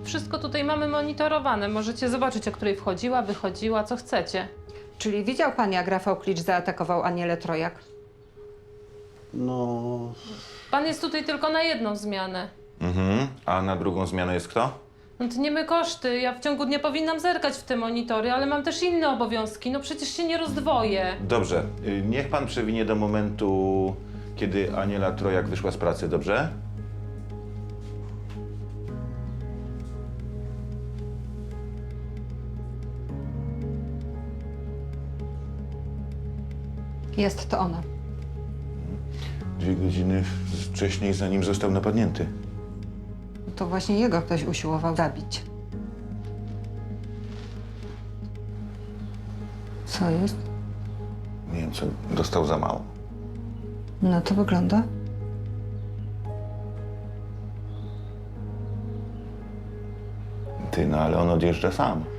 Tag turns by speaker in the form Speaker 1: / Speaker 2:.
Speaker 1: wszystko tutaj mamy monitorowane. Możecie zobaczyć, o której wchodziła, wychodziła, co chcecie.
Speaker 2: Czyli widział pan, jak Rafał Klicz zaatakował Anielę Trojak?
Speaker 3: No...
Speaker 1: Pan jest tutaj tylko na jedną zmianę.
Speaker 4: A na drugą zmianę jest kto?
Speaker 1: No tniemy koszty. Ja w ciągu dnia powinnam zerkać w te monitory, ale mam też inne obowiązki. No przecież się nie rozdwoję.
Speaker 4: Dobrze, niech pan przewinie do momentu, kiedy Aniela Trojak wyszła z pracy, dobrze?
Speaker 2: Jest to ona.
Speaker 4: 2 godziny wcześniej, zanim został napadnięty.
Speaker 2: To właśnie jego ktoś usiłował zabić. Co jest?
Speaker 4: Nie wiem, co dostał za mało.
Speaker 2: No to wygląda.
Speaker 4: Ty, no ale on odjeżdża sam.